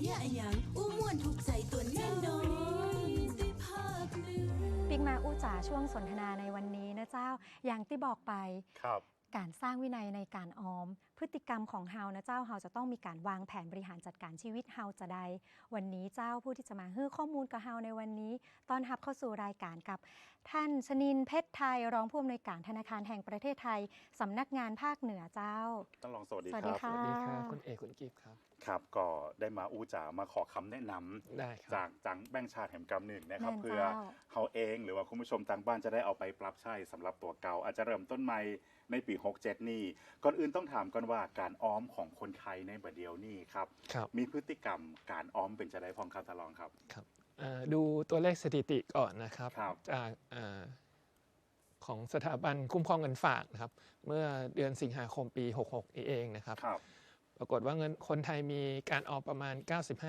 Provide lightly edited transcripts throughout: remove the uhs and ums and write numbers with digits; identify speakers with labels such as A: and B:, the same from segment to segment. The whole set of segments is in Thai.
A: เนี่ยอะหยังอู้ม่วนถูกใจตัวแน่นอนได้ภาคหนึ่ง
B: ปิ๊กมาอู้จ๋าช่วงสนทนาในวันนี้นะเจ้าอย่างที่บอกไปการสร้างวินัยในการออมพฤติกรรมของเฮานะเจ้าเฮาจะต้องมีการวางแผนบริหารจัดการชีวิตเฮาจะได้วันนี้เจ้าผู้ที่จะมาให้ข้อมูลกับเฮาในวันนี้ต้อนรับเข้าสู่รายการกับท่านชนินเพชรไทยรองผู้อำนวยการธนาคารแห่งประเทศไทยสำนักงานภาคเหนือเจ้า
C: ต้องลองสวัสดีครับ
B: สวัสดีครับ
D: คุณเอกคุณกิฟต์ครับ
C: ครับก็ได้มาอู้จ๋ามาขอคำแนะนำจากจังแบงค์ชาติแห่งกำหนึ่งนะครับเพื่อเขาเองหรือว่าคุณผู้ชมทางบ้านจะได้เอาไปปรับใช้สำหรับตัวเก่าอาจจะเริ่มต้นใหม่ในปี67นี่ก่อนอื่นต้องถามก่อนว่าการออมของคนไทยในบัดเดียวนี่ครับมีพฤติกรรมการออมเป็นจะได้พองคำทดลองครับ
D: ดูตัวเลขสถิติก่อนนะครับจากของสถาบันคุ้มครองเงินฝากนะครับเมื่อเดือนสิงหาคมปี66เองนะครับปรากฏว่าเงินคนไทยมีการออมประมาณ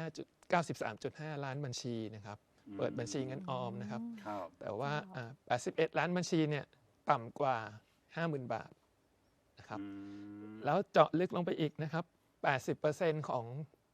D: 93.5 ล้านบัญชีนะครับเปิดบัญชีเงินออมนะครับแต่ว่า81 ล้านบัญชีเนี่ยต่ำกว่า 50,000 บาทนะครับแล้วเจาะลึกลงไปอีกนะครับ 80% ของ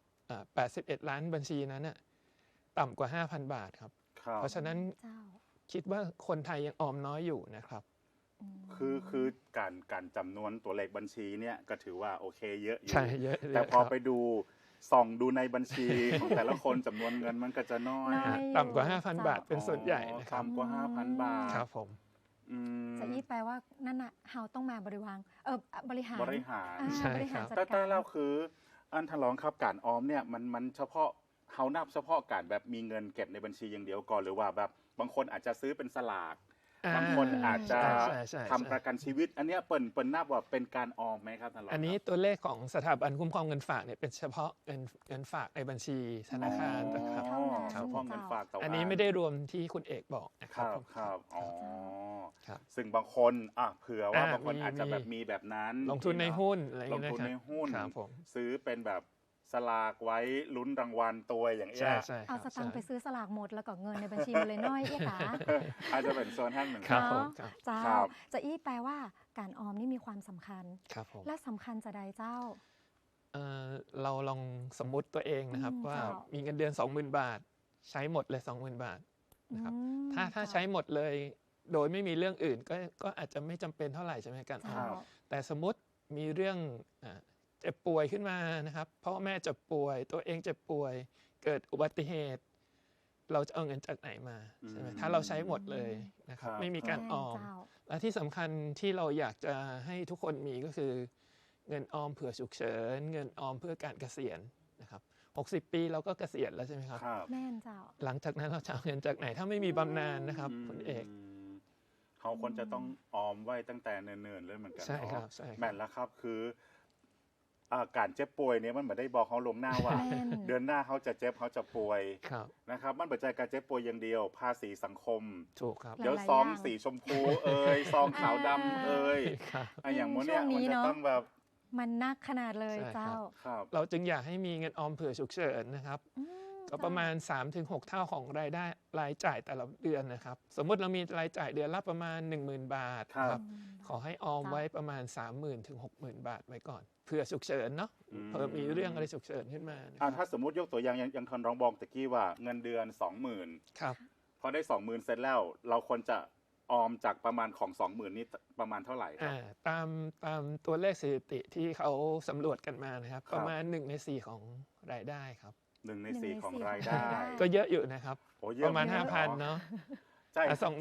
D: 81 ล้านบัญชีนั้นน่ะต่ำกว่า 5,000 บาทครับเพราะฉะนั้นคิดว่าคนไทยยังออมน้อยอยู่นะครับ
C: คือการจำนวนตัวเลขบัญชีเนี่ยก็ถือว่าโอเคเยอะอยู่
D: ใช่เยอะ
C: แต่พอไปดูส่องดูในบัญชีของแต่ละคนจำนวนเงินมันก็จะน้อย
D: ต่ำกว่า 5,000 บาทเป็นส่วนใหญ่นะครับ
C: ต่ำกว่า 5,000 บาท
D: ครับผม
B: จะอี้แปลว่านั่นน่ะเฮาต้องมาบริหารบริหาร
D: ใช่ครับ
C: แต่แล้วคืออันทลองครับการออมเนี่ยมันเฉพาะเฮานับเฉพาะการแบบมีเงินเก็บในบัญชีอย่างเดียวก่อนหรือว่าแบบบางคนอาจจะซื้อเป็นสลากบางคนอาจจะทำประกันชีวิตอันนี้เปิ่นนับว่าเป็นการออมไหมครับท่านรอง
D: อันนี้ตัวเลขของสถาบันคุ้มครองเงินฝากเนี่ยเป็นเฉพาะเงินฝากในบัญชีธนาคารนะครับ
C: เฉพาะเงินฝาก
D: อันนี้ไม่ได้รวมที่คุณเอกบอกนะครับ
C: ครับอ๋อซึ่งบางคนเผื่อว่าบางคนอาจจะแบบมีแบบนั้น
D: ลงทุนในหุ้นอะไรอย่าง
C: เงี้ยลงทุนในหุ้นซื้อเป็นแบบสลากไว้ลุ้นรางวัลตัวอย่างเงี้ย
B: เอาสตางค์ไปซื้อสลากหมดแล้วก็เงินในบัญชีมันเลยน้อยเอ๊ะคะ
C: อาจจะเป็นโซนท่านเหมือน
D: กัน
B: เจ้าจะอี้แปลว่าการออมนี่มีความสำคัญและสำคัญจะใดเจ้า
D: เราลองสมมุติตัวเองนะครับว่ามีเงินเดือน 20,000 บาทใช้หมดเลย 20,000 บาทนะครับถ้าใช้หมดเลยโดยไม่มีเรื่องอื่นก็อาจจะไม่จำเป็นเท่าไหร่ใช่ไหมการออมแต่สมมติมีเรื่องเจ็บป่วยขึ้นมานะครับพ่อแม่เจ็บป่วยตัวเองเจ็บป่วยเกิดอุบัติเหตุเราจะเอาเงินจากไหนมาใช่ไหมถ้าเราใช้หมดเลยนะครับไม่มีการออมและที่สำคัญที่เราอยากจะให้ทุกคนมีก็คือเงินออมเผื่อฉุกเฉินเงินออมเพื่อการเกษียณนะครับ60 ปีเราก็เกษียณแล้วใช่ไหมครับ
B: แม่นเจ้า
D: หลังจากนั้นเราจะเอาเงินจากไหนถ้าไม่มีบำนาญนะครับคุณเอก
C: เขาควรจะต้องออมไว้ตั้งแต่เนิ่นๆเลยเหมือนกัน
D: ใช่ครับ
C: แม่นแล้วครับคือการเจ็บป่วยเนี่ยมันไม่ได้บอกเขาลงหน้าว่าเดือนหน้าเขาจะเจ็บเขาจะป่วยนะครับมันปัจจัยการเจ็บป่วยอย่างเดียวภาษีสังคม
D: ถูกครับ
C: เดี๋ยวซองสีชมพูซองขาวดำอย่างโมเนี่ยมันจะต้องแบบ
B: มันนักขนาดเลยเจ้า
D: เราจึงอยากให้มีเงินออมเผื่อฉุกเฉินนะครับก็ประมาณ 3-6 เท่าของรายจ่ายแต่ละเดือนนะครับสมมติเรามีรายจ่ายเดือนละประมาณ 10,000 บาทครับขอให้ออมไว้ประมาณ 30,000 ถึง 60,000 บาทไว้ก่อนเผื่อฉุกเฉินเนาะเพิ่มมีเรื่องอะไรฉุกเฉินขึ้นมา
C: ถ้าสมมติยกตัวอย่างทอนรองบอกตะกี้ว่าเงินเดือน 20,000
D: ครับ
C: พอได้ 20,000 เสร็จแล้วเราควรจะออมจากประมาณของ 20,000 นี่ประมาณเท่าไหร่ครับ
D: ตามตัวเลขสถิติที่เขาสำรวจกันมานะครับประมาณ1 ใน 4ของรายได้ครับ
C: 1 ใน 4ของรายได้
D: ก็เยอะอยู่นะครับประมาณ 5,000 เนาะ
C: ใจ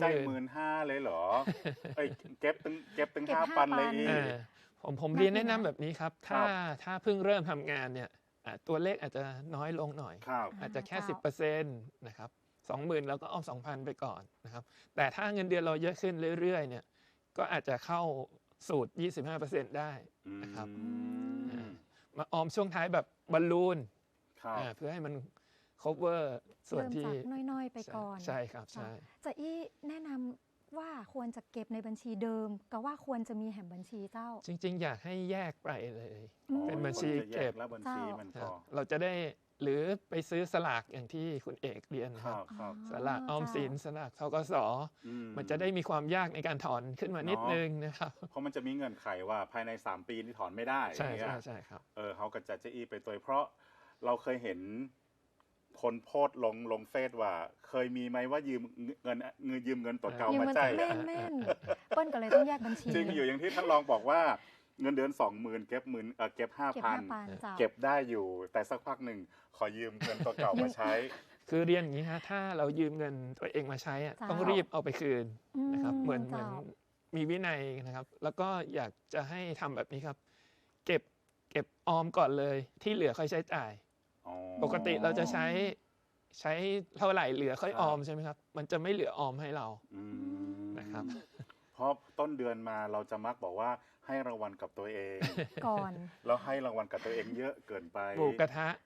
C: 15,000เลยเหรอเก็บตั้ง 5,000 เลยอีก
D: ผมเรียนแนะนำแบบนี้ครับถ้าเพิ่งเริ่มทำงานเนี่ยตัวเลขอาจจะน้อยลงหน่อยอาจจะแค่ 10% นะครับ 20,000 แล้วก็ออม 2,000 ไปก่อนนะครับแต่ถ้าเงินเดือนเราเยอะขึ้นเรื่อยๆเนี่ยก็อาจจะเข้าสูตร 25% ได้นะครับมาออมช่วงท้ายแบบบอลลูนเพื่อให้มัน cover ส่วนที่
B: น้อยๆไปก่อน
D: ใช่ครับใช่
B: จะอี้แนะนำว่าควรจะเก็บในบัญชีเดิมก็ว่าควรจะมีแหมบัญชีเจ้า
D: จริงๆอยากให้แยกไปเลยเป็นบัญชีเก็บ
C: แล้วบัญชีมันก็
D: เราจะได้หรือไปซื้อสลากอย่างที่คุณเอกเรียนครับสลากออมสินสลากธกส.มันจะได้มีความยากในการถอนขึ้นมานิดนึงนะครับ
C: เพราะมันจะมีเงื่อนไขว่าภายใน3 ปีนี่ถอนไม่ได้
D: ใช่ครับ
C: เขาก็จะอีไปตัวเพราะเราเคยเห็นคนโพสต์ลงเฟซว่า เคยมีไหมว่ายืมเงินตัวเก่ามาจ่าย
B: แม่นเปิ้ลก็เลยต้องแยกบัญชี
C: จริงอยู่อย่างที่ท่านรองบอกว่าเงินเดือน 20,000 เก็บ 5,000 เก็บได้อยู่แต่สักพักหนึ่งขอยืมเงินตัวเก่ามาใช้
D: คือเรียนอย่างนี้ฮะถ้าเรายืมเงินตัวเองมาใช้ต้องรีบเอาไปคืนนะครับเหมือนมีวินัยนะครับแล้วก็อยากจะให้ทำแบบนี้ครับเก็บออมก่อนเลยที่เหลือค่อยใช้จ่ายปกติเราจะใช้เท่าไหร่เหลือค่อยออมใช่ไหมครับมันจะไม่เหลือออมให้เรานะครับ
C: เพราะต้นเดือนมาเราจะมักบอกว่าให้รางวัลกับตัวเอง
B: ก่อน
C: แล้วให้รางวัลกับตัวเองเยอะเกินไป
D: หมูกระทะ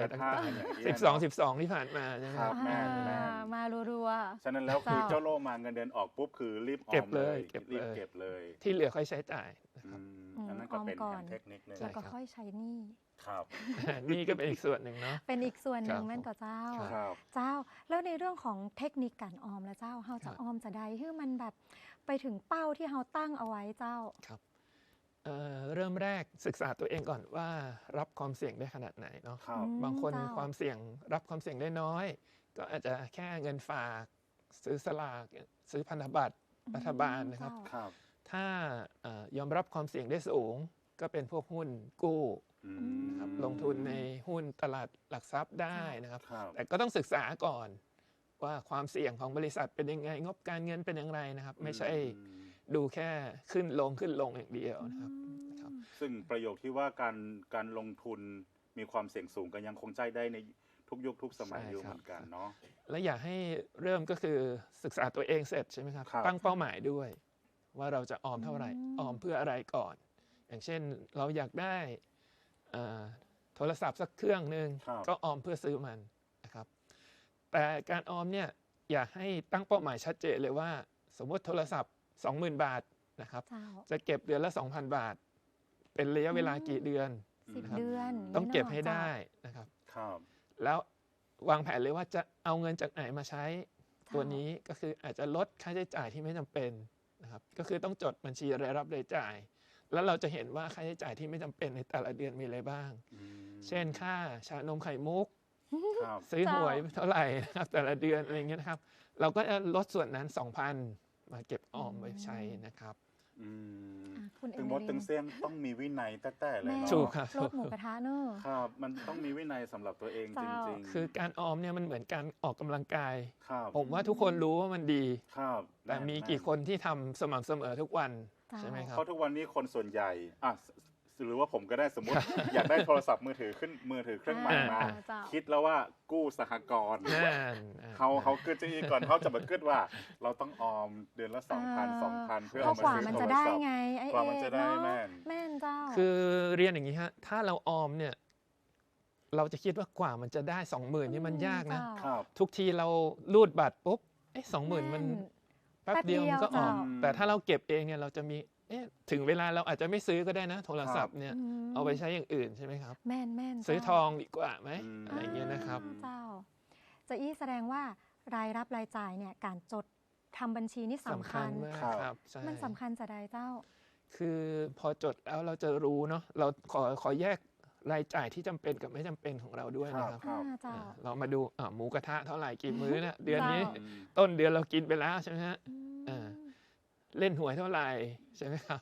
D: 12ที่ผ่านมาใช่ไหม
C: ครับแม่
B: มารัว
C: ๆฉะนั้นแล้วคือเจ้าโลมาเงินเดือนออกปุ๊บคือรีบออมเลยรีบเก็บเลย
D: ที่เหลือค่อยใช้จ่ายนะครับ
C: อันนั้นก็เป็นเทคนิคนึง
B: แล้วก็ค่อยใช้หนี้
C: ครับ
D: นี่ก็เป็นอีกส่วนหนึ่งเนาะ
B: เป็นอีกส่วนหนึ่งแม่นก็เจ้าแล้วในเรื่องของเทคนิคการออมแล้วเจ้าเฮาจะออมจะได้ให้มันแบบไปถึงเป้าที่เฮาตั้งเอาไว้เจ้า
D: ครับเริ่มแรกศึกษาตัวเองก่อนว่ารับความเสี่ยงได้ขนาดไหนเนาะบางคนความเสี่ยงรับความเสี่ยงได้น้อยก็อาจจะแค่เงินฝากซื้อสลากซื้อพันธบัตรรัฐบาลนะครับถ้ายอมรับความเสี่ยงได้สูงก็เป็นพวกหุ้นกู้นะครับลงทุนในหุ้นตลาดหลักทรัพย์ได้นะครับแต่ก็ต้องศึกษาก่อนว่าความเสี่ยงของบริษัทเป็นยังไงงบการเงินเป็นอย่างไรนะครับไม่ใช่ดูแค่ขึ้นลงอย่างเดียวนะครับ
C: ซึ่งประโยคที่ว่าการลงทุนมีความเสี่ยงสูงก็ยังคงใจได้ในทุกยุคทุกสมัยอยู่เหมือนกันเนาะ
D: และอยากให้เริ่มก็คือศึกษาตัวเองเสร็จใช่ไหมครับตั้งเป้าหมายด้วยว่าเราจะออมเท่าไหร่ออมเพื่ออะไรก่อนอย่างเช่นเราอยากได้โทรศัพท์สักเครื่องนึงก็ออมเพื่อซื้อมันนะครับแต่การออมเนี่ยอยากให้ตั้งเป้าหมายชัดเจนเลยว่าสมมติโทรศัพท์ 20,000 บาทนะครับจะเก็บเดือนละ 2,000 บาทเป็นระยะเวลากี่เดือน
B: 10 เดือน
D: ต้องเก็บให้ได้นะครับแล้ววางแผนเลยว่าจะเอาเงินจากไหนมาใช้ตัวนี้ก็คืออาจจะลดค่าใช้จ่ายที่ไม่จำเป็นนะครับก็คือต้องจดบัญชีรายรับรายจ่ายแล้วเราจะเห็นว่าค่าใช้จ่ายที่ไม่จำเป็นในแต่ละเดือนมีอะไรบ้างเช่นค่าชานมไข่มุกซื้อหวยเท่าไหร่นะครับแต่ละเดือนอะไรเงี้ยนะครับเราก็จะลดส่วนนั้น 2,000 มาเก็บออมไว้ใช้นะครับ
C: ถึงมดถึงเสียงต้องมีวินัยแต่เลยเนาะ
B: ลดหมูกระทะเนอะ
C: ครับมันต้องมีวินัยสำหรับตัวเองจริง
D: ๆคือการออมเนี่ยมันเหมือนการออกกำลังกายผมว่าทุกคนรู้ว่ามันดีแต่มีกี่คนที่ทำสม่ำเสมอทุกวันใช่ไหมครับ
C: เพราะทุกวันนี้คนส่วนใหญ่หรือว่าผมก็ได้สมมติ อยากได้โทรศัพท์มือถือเครื่องใหม่มาคิดแล้วว่ากู้สหกรณ์เขาเกิดจะอีกก่อนเขาจะมาเกิดว่าเราต้องออมเดือนละ 2,000 เพื่อเอามาซื้อโทรศัพท์
B: มันจะได้ไง
C: กว่ามันจะได้แ
B: ม่นเจ้า
D: คือเรียนอย่างนี้ฮะถ้าเราออมเนี่ยเราจะคิดว่ากว่ามันจะได้ 20,000 นี่มันยากนะทุกทีเรารูดบัตรปุ๊บ20,000 มันแป๊บเดียวมันก็ออกแต่ถ้าเราเก็บเองเนี่ยเราจะมีถึงเวลาเราอาจจะไม่ซื้อก็ได้นะโทรศัพท์เนี่ยเอาไปใช้อย่างอื่นใช่ไหมครับ
B: แม่น
D: ซื้อทองดีกว่าไหมอะไรเงี้ยนะครับ
B: เจ้าจะแสดงว่ารายรับรายจ่ายเนี่ยการจดทำบัญชีนี่สำคัญ
D: ครับ
B: มันสำคัญจะได้เจ้า
D: คือพอจดแล้วเราจะรู้เนาะเราขอแยกรายจ่ายที่จำเป็นกับไม่จำเป็นของเราด้วยนะครับเรามาดูหมูกระทะเท่าไหร่กี่มื้อเนี่ยเดือนนี้ต้นเดือนเรากินไปแล้วใช่ไหมฮะเล่นหวยเท่าไหร่ใช่ไหมครับ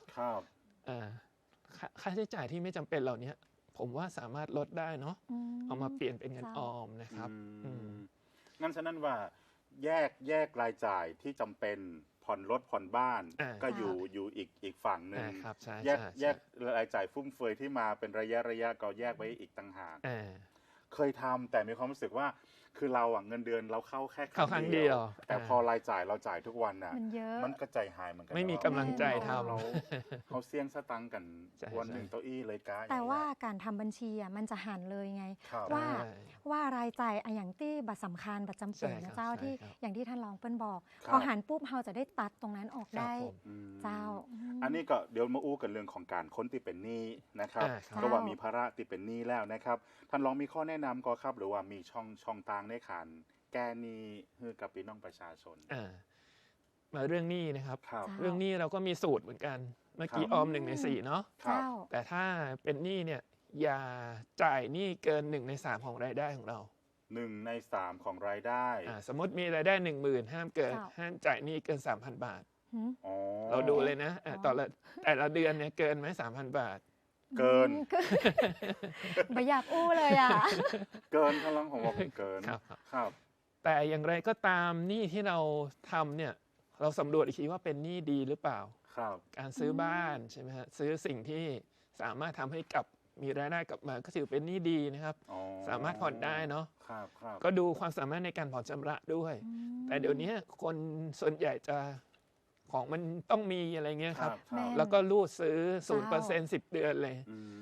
D: ค่าใช้จ่ายที่ไม่จำเป็นเหล่านี้ผมว่าสามารถลดได้เนาะเอามาเปลี่ยนเป็นเงินออมนะครับ
C: งั้นฉะนั้นว่าแยกรายจ่ายที่จำเป็นผ่อนรถผ่อนบ้านก็อยู่อีกฝั่งหนึ่งแยกรายจ่ายฟุ่มเฟือยที่มาเป็นระยะก็แยกไว้อีกต่างหากเคยทำแต่มีความรู้สึกว่าคือเราเงินเดือนเราเข้าแค่
D: ครั้งเดียว
C: แต่พอรายจ่ายเราจ่ายทุกวันน่ะมันก็ใจหายเหมือนกัน
D: ไม่มีกำลังใจทำ
C: เขาเสี่ยงสตังกันวันหนึ่งเต้าอี้เลยก้า
B: แต่ว่าการทำบัญชีมันจะหันเลยไงว่ารายจ่ายอย่างที่บัตรสำคัญบัตรจำเป็นนะเจ้าที่อย่างที่ท่านรองเปิ้ลบอกพอหันปุ๊บเราจะได้ตัดตรงนั้นออกได้เจ้า
C: อันนี้ก็เดี๋ยวมาอู้กันเรื่องของการค้นติเป็นหนี้นะครับก็ว่ามีภาระติเป็นหนี้แล้วนะครับท่านรองมีข้อแนะนำก็ครับหรือว่ามีช่องต่างในการแก้หนี้ให้กับพี่น้องประชาชน
D: มาเรื่องหนี้นะครับเรื่องหนี้เราก็มีสูตรเหมือนกันเมื่อกี้ออม1 ใน 4เนาะแต่ถ้าเป็นหนี้เนี่ยอย่าจ่ายหนี้เกิน1 ใน 3ของรายได้ของเรา
C: 1 ใน 3ของรายได้
D: สมมติมีรายได้ 10,000ห้ามจ่ายหนี้เกิน 3,000 บาทเราดูเลยนะแต่ละเดือนเนี่ยเกินไหม 3,000 บาท
C: เกิน
B: ไม่อยากอู้เลยอ่ะ
C: เกินพลังของเราเกิน
D: ครับแต่อย่างไรก็ตามหนี้ที่เราทำเนี่ยเราสำรวจอีกทีว่าเป็นหนี้ดีหรือเปล่าการซื้อบ้านใช่ไหมฮะซื้อสิ่งที่สามารถทำให้มีรายได้กลับมาก็ถือเป็นหนี้ดีนะครับสามารถผ่อนได้เนาะก็ดูความสามารถในการผ่อนชำระด้วยแต่เดี๋ยวนี้คนส่วนใหญ่จะของมันต้องมีอะไรเงี้ยครับแล้วก็รูดซื้อ 0% 10 เดือนเลย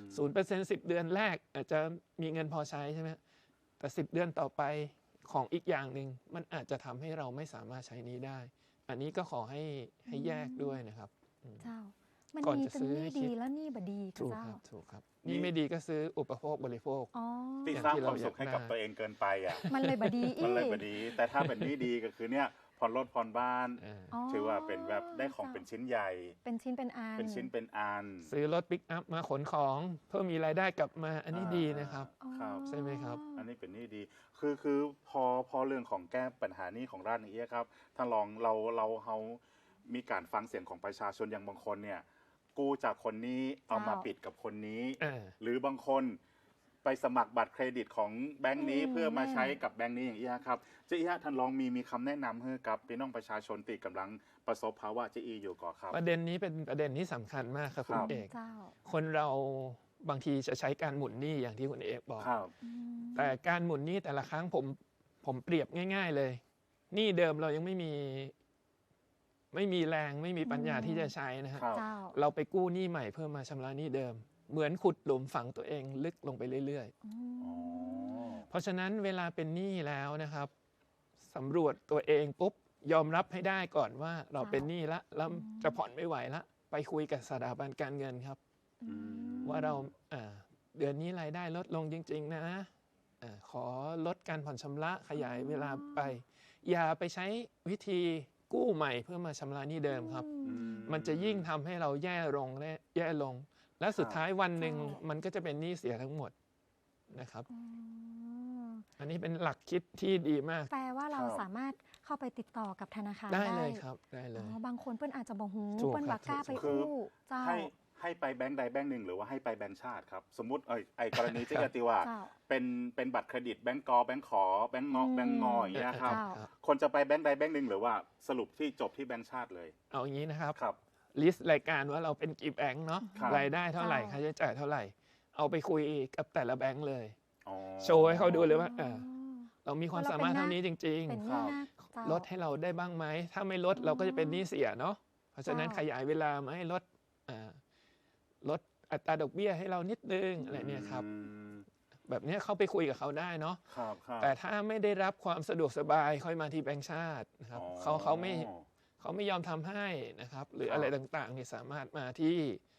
D: 0% 10 เดือนแรกอาจจะมีเงินพอใช้ใช่ไหมแต่10 เดือนต่อไปของอีกอย่างหนึ่งมันอาจจะทำให้เราไม่สามารถใช้นี้ได้อันนี้ก็ขอให้แยกด้วยนะครับ
B: เจ้ามันมีแต่นี่ดีแล้วนี่บดี
D: ถูกครับถูกครับนี่ไม่ดีก็ซื้ออุปโภคบริโภค
C: ที่สร้างความสุขให้กับตัวเองเกินไปอ่ะ
B: มันเลยบดี
C: มันเลยบดีแต่ถ้าเป็นนี่ดีก็คือเนี่ยผ่อนรถผ่อนบ้านถือว่าเป็นแบบได้ของเป็นชิ้นใหญ่
B: เป็นชิ้นเป็นอัน
D: ซื้อรถปิกอัพมาขนของเพื่อมีรายได้กลับมาอันนี้ดีนะครับใช่ไหมครับ
C: อันนี้เป็นนี่ดีคือพอเรื่องของแก้ปัญหานี้ของร้านนี้ครับถ้าลองเรามีการฟังเสียงของประชาชนอย่างบางคนเนี่ยกู้จากคนนี้เอามาปิดกับคนนี้หรือบางคนไปสมัครบัตรเครดิตของแบงค์นี้เพื่อมาใช้กับแบงค์นี้อย่างนี้ครับเจ๊อีท่านลองมีคำแนะนำให้กับพี่น้องประชาชนที่กำลังประสบภาวะเจ๊อีอยู่ก่อนครับ
D: ประเด็นนี้เป็นประเด็นที่สำคัญมากครับคุณเอกคนเราบางทีจะใช้การหมุนหนี้อย่างที่คุณเอกบอกแต่การหมุนหนี้แต่ละครั้งผมเปรียบง่ายๆเลยหนี้เดิมเรายังไม่มีแรงไม่มีปัญญาที่จะใช้นะครับเราไปกู้หนี้ใหม่เพื่อมาชำระหนี้เดิมเหมือนขุดหลุมฝังตัวเองลึกลงไปเรื่อยๆเพราะฉะนั้นเวลาเป็นหนี้แล้วนะครับสำรวจตัวเองปุ๊บยอมรับให้ได้ก่อนว่าเราเป็นหนี้แล้วจะผ่อนไม่ไหวแล้วไปคุยกับสถาบันการเงินครับว่าเราเดือนนี้รายได้ลดลงจริงๆนะขอลดการผ่อนชำระขยายเวลาไปอย่าไปใช้วิธีกู้ใหม่เพื่อมาชำระหนี้เดิมครับมันจะยิ่งทำให้เราแย่ลงและสุดท้ายวันหนึ่งมันก็จะเป็นหนี้เสียทั้งหมดนะครับอันนี้เป็นหลักคิดที่ดีมาก
B: แปลว่าเราสามารถเข้าไปติดต่อกับธนาคาร
D: ได้เลยครับได้เลย
B: บางคนเพื่อนอาจจะบอกหูเพื่อนบักกล้าไปกู้เจ้า
C: ให้ไปแบงค์ใดแบงค์หนึ่งหรือว่าให้ไปแบงค์ชาติครับสมมุติไอ้กรณีที่ติว่าเป็นบัตรเครดิตแบงก์กอแบงก์ขอแบงก์งออย่างเงี้ยครับคนจะไปแบงค์ใดแบงค์หนึ่งหรือว่าสรุปที่จบที่แบงค์ชาติเลย
D: เอาอย่างนี้นะครับลิสต์รายการว่าเราเป็นกี่แบงค์เนาะรายได้เท่าไหร่ค่าใช้จ่ายเท่าไหร่เอาไปคุยกับแต่ละแบงค์เลยโชว์ให้เขาดูเลยว่าเรามีความสามารถเท่านี้จริงๆลดให้เราได้บ้างไหมถ้าไม่ลดเราก็จะเป็นหนี้เสียเนาะเพราะฉะนั้นขยายเวลามาให้ลดอัตราดอกเบี้ยให้เรานิดนึงอะไรเนี่ยครับแบบนี้เข้าไปคุยกับเขาได้เนาะแต่ถ้าไม่ได้รับความสะดวกสบายค่อยมาที่แบงก์ชาตินะครับเขาไม่ยอมทำให้นะครับหรืออะไรต่างๆเนี่ยสามารถมาที่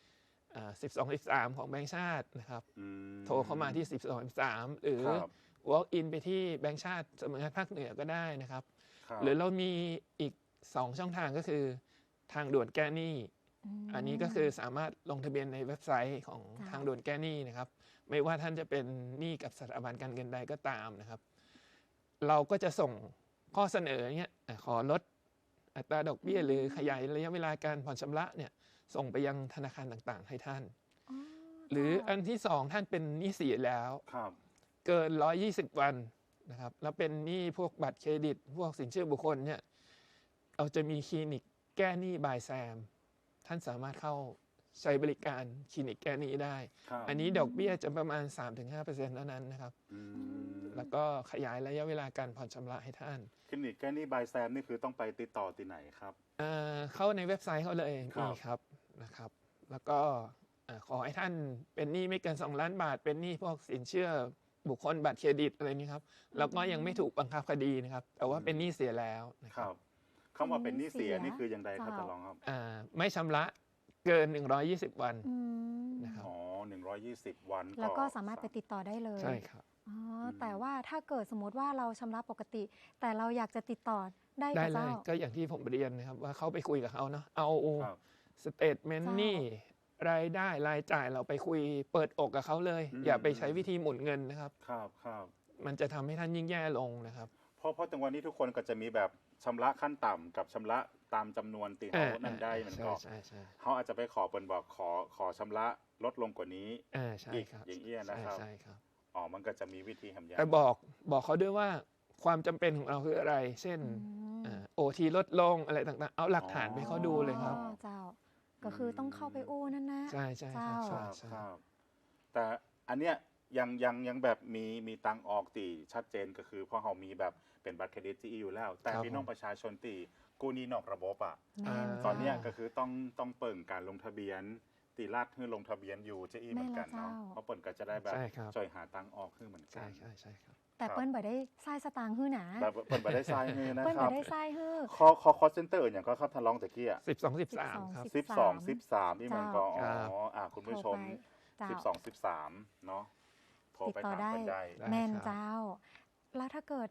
D: 1213ของแบงก์ชาตินะครับโทรเข้ามาที่1213หรือ walk in ไปที่แบงก์ชาติสำนักงานภาคเหนือก็ได้นะครับหรือเรามีอีก2ช่องทางก็คือทางด่วนแก้หนี้อันนี้ก็คือสามารถลงทะเบียนในเว็บไซต์ของทางด่วนแก้หนี้นะครับไม่ว่าท่านจะเป็นหนี้กับสถาบันการเงินใดก็ตามนะครับเราก็จะส่งข้อเสนอเนี้ยขอลดอัตราดอกเบี้ยหรือขยายระยะเวลาการผ่อนชำระเนี่ยส่งไปยังธนาคารต่างๆให้ท่านหรืออันที่2ท่านเป็นหนี้เสียแล้วเกิน120วันนะครับแล้วเป็นหนี้พวกบัตรเครดิตพวกสินเชื่อบุคคลเนี่ยเราจะมีคลินิกแก้หนี้บายแซมท่านสามารถเข้าใช้บริการคลินิกแก้หนี้ได้อันนี้ดอกเบี้ยจะประมาณ 3-5% เท่านั้นนะครับแล้วก็ขยายระยะเวลาการผ่อนชำระให้ท่าน
C: คลินิกแก้หนี้บายแซมนี่คือต้องไปติดต่อที่ไหนครับ
D: เข้าในเว็บไซต์เขาเลยมีครับนะครับแล้วก็ขอให้ท่านเป็นหนี้ไม่เกิน2 ล้านบาทเป็นหนี้พวกสินเชื่อบุคคลบัตรเครดิตอะไรนี้ครับแล้วก็ยังไม่ถูกบังคับคดีนะครับแต่ว่าเป็นหนี้เสียแล้วนะครับ
C: คำว่าเป็นหนี้เสียนี่คืออย่างไรครับจะลองครับ
D: ไม่ชำระเกิน120วันนะครับ
C: 120วัน
B: แล้วก็สามารถไปติดต่อได้เลย
D: ใช่ครับ
B: แต่ว่าถ้าเกิดสมมติว่าเราชำระปกติแต่เราอยากจะติดต่อได้
D: เลยก็อย่างที่ผมเรียนนะครับว่าเขาไปคุยกับเขาเนาะเอาสเตทเมนต์นี่รายได้รายจ่ายเราไปคุยเปิดอกกับเขาเลยอย่าไปใช้วิธีหมุนเงินนะครับมันจะทำให้ท่านยิ่งแย่ลงนะครับ
C: เพราะจังหวะนี้ทุกคนก็จะมีแบบชำระขั้นต่ำกับชำระตามจำนวนที่เขานั่นได้มันก็เขาอาจจะไปขอเปิ้นบอกขอชำระลดลงกว่านี้อีกอย่างเงี้ยนะครับอ๋อมันก็จะมีวิธีทำอย่าง
D: แต่บอกเขาด้วยว่าความจำเป็นของเราคืออะไรเช่นOT ลดลงอะไรต่างๆเอาหลักฐานไปเขาดูเลยครับ
B: เจ้าก็คือต้องเข้าไปอู้นั่นนะ
D: ใช่ใช่
C: ครับแต่อันเนี้ยยังแบบมีตังออกตีชัดเจนก็คือเพราะเขามีแบบเป็นบัตรเครดิตที่อยู่แล้วแต่พี่น้องประชาชนตีกู้หนี้นอกระบบอ่ะตอนนี้ก็คือต้องเปิดการลงทะเบียนตีลาดให้ลงทะเบียนอยู่จะอีเหมือนกันเนาะเพราะเปิดก็จะได้แบบช่วยหาตังออกขึ้นเหมือนกัน
D: ใช่ครับ
B: แต่เปิ้ลบ่ได้ทรายสตางค์ฮื้อหนา
C: เปิ้ลบ่ได้ทรายฮื้อนะครับ
B: เปิ้ลบ่ได้ทรายฮื้อ
C: คอเซ็นเตอร์อย่างก็ครับท่านรองตะกี้อ่ะ
D: 12-13ครับ
C: 12-13นี่มันก็คุณผู้ชม12-13เนาะ
B: ติดต่อได้แม่นเจ้าแล้วถ้าเกิด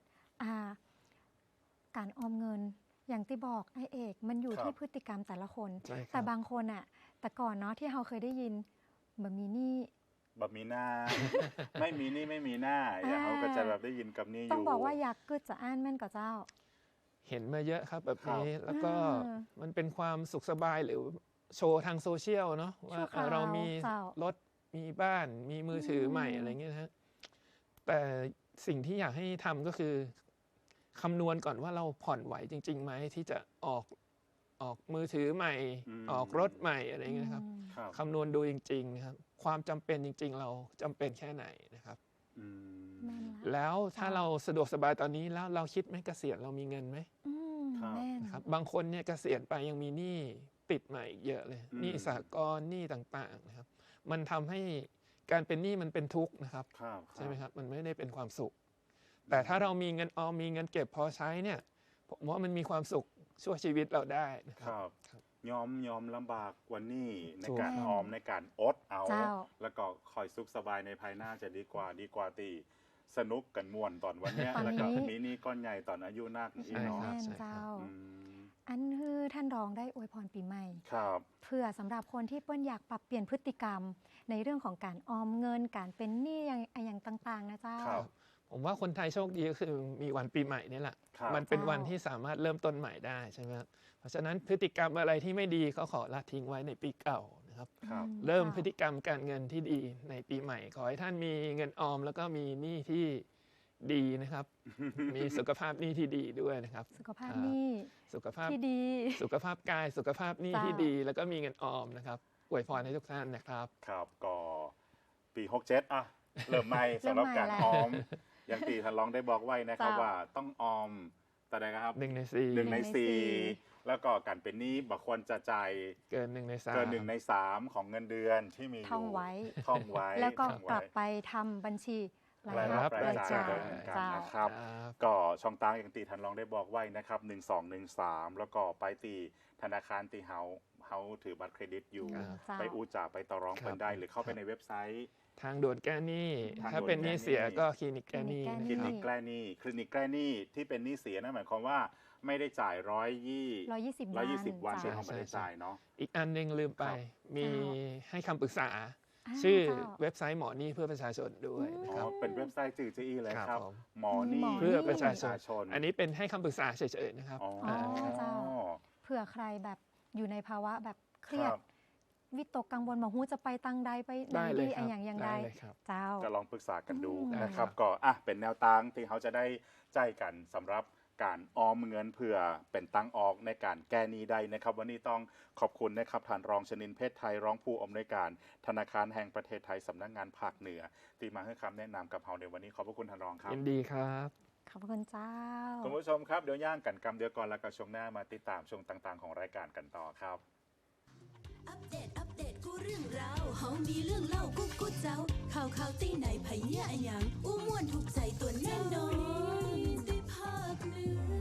B: การออมเงินอย่างที่บอกไอ้เอกมันอยู่ที่พฤติกรรมแต่ละคนแต่บางคนอ่ะแต่ก่อนเนาะที่เราเคยได้ยินแบบมีหนี้
C: แบบมีหน้า ไม่มีนี่ไม่มีหน้าอย่างเขาก็จะแบบได้ยินกับนี้อยู่
B: ต้องบอกว่าอยากกึดจะอ่านแม่นกับเจ้า
D: เห็นมาเยอะครับแบบนี้แล้วก็มันเป็นความสุขสบายหรือโชว์ทางโซเชียลเนาะว่าเรามีรถมีบ้านมีมือถือใหม่อะไรเงี้ยฮะแต่สิ่งที่อยากให้ทำก็คือคำนวณก่อนว่าเราผ่อนไหวจริงๆไหมที่จะออกมือถือใหม่ออกรถใหม่อะไรเงี้ยครับคำนวณดูจริงๆครับความจำเป็นจริงๆเราจำเป็นแค่ไหนนะครับแล้วถ้าเราสะดวกสบายตอนนี้แล้วเราคิดไหมเกษียณเรามีเงินไหมครับบางคนเนี่ยเกษียณไปยังมีหนี้ติดใหม่เยอะเลยหนี้สหกรณ์หนี้ต่างๆนะครับมันทำให้การเป็นหนี้มันเป็นทุกข์นะครับใช่ไหมครับมันไม่ได้เป็นความสุขแต่ถ้าเรามีเงินออมมีเงินเก็บพอใช้เนี่ยผมว่ามันมีความสุขช่วยชีวิตเราได้นะครับ
C: ยอมลำบากกว่านี้ในการออมในการอดเอาแล้วก็คอยสุขสบายในภายหน้าจะดีกว่าตีสนุกกันม่วนตอนวันนี้แล้วก็มีนี่ก้อนใหญ่ตอนอายุนักอีเนาะ
B: อันคือท่านรองได้อวยพรปีใหม่
C: ครับ
B: เพื่อสำหรับคนที่เปิ้ลอยากปรับเปลี่ยนพฤติกรรมในเรื่องของการออมเงินการเป็นหนี้อย่างต่างๆนะเจ้า
D: ผมว่าคนไทยโชคดีก็คือมีวันปีใหม่นี่แหละมันเป็นวันที่สามารถเริ่มต้นใหม่ได้ใช่ไหมครับเพราะฉะนั้นพฤติกรรมอะไรที่ไม่ดีเขาขอละทิ้งไว้ในปีเก่านะครับเริ่มพฤติกรรมการเงินที่ดีในปีใหม่ขอให้ท่านมีเงินออมแล้วก็มีหนี้ที่ดีนะครับมีสุขภาพหนี้ที่ดีด้วยนะครับ
B: สุขภาพหนี้ที่ดี
D: สุขภาพกายสุขภาพหนี้ที่ดีแล้วก็มีเงินออมนะครับอวยพรให้ทุกท่านนะครับ
C: ครับก็ปี67อ่ะเริ่มใหม่สำหรับการออมอย่างที่ท่านรองได้บอกไว้นะครับว่าต้องออมแต่ใดครับ1 ใน 4แล้วก็การเป็นหนี้บ่ควรจะจ่าย
D: เกิน1 ใน
C: 3ของเงินเดือนที่มีอยู่
B: ท่องไ
C: ว้
B: แล้วก็กลับไปทำบัญชี
C: รายรับรายจ่ายนะครับก็ช่องทางอย่างตีท่านรองได้บอกไว้นะครับ1213แล้วก็ไปตีธนาคารตีเฮาถือบัตรเครดิตอยู่ไปอูจ่าไปต่อรองเป็นได้หรือเข้าไปในเว็บไซต์
D: ทางด่วนแก้หนี้ถ้าเป็นหนี้เสียก็คลินิกแก้หนี้
C: คลินิกแก้หนี้ที่เป็นหนี้เสียนั่นหมายความว่าไม่ได้จ่าย120 วันที่เขาไม่ได้จ่ายเนาะ
D: อีกอันนึงลืมไปมีให้คำปรึกษาชื่อเว็บไซต์หมอหนี้เพื่อประชาชนด้วยนะครับ
C: เป็นเว็บไซต์จื่อจีเลยครับหมอหนี้
D: เพื่อประชาชนอันนี้เป็นให้คำปรึกษาเฉยๆนะครับ
B: เผื่อใครแบบอยู่ในภาวะแบบเครียดวิตกกังวลมาหูจะไปตังใดไปไหนดีอย่างใดเจ้า
C: ก็ลองปรึกษากันดูนะครับก็เป็นแนวทางที่เขาจะได้ใจกันสำหรับการออมเงินเพื่อเป็นตังออกในการแก้หนี้ได้นะครับวันนี้ต้องขอบคุณนะครับท่านรองชนินทร์เพชรไทยรองผู้อำนวยการธนาคารแห่งประเทศไทยสำนักงานภาคเหนือที่มาให้คำแนะนำกับเราในวันนี้ขอบพระคุณท่านรองครับ
D: ยินดีครับ
B: ขอบคุณเจ้า
C: คุณผู้ชมครับเดี๋ยวย่างกันกำเดียวก่อนแล้วก็ช่วงหน้ามาติดตามช่วงต่างๆของรายการกันต่อครับ
A: อัปเดตกูเรื่องราวเฮามีเรื่องเล่ากูเจ้าข่าวตีไหนไผเหี้ยอะหยังอู้ม่วนถูกใจตัวแน่นอนได้ภาคเหนือ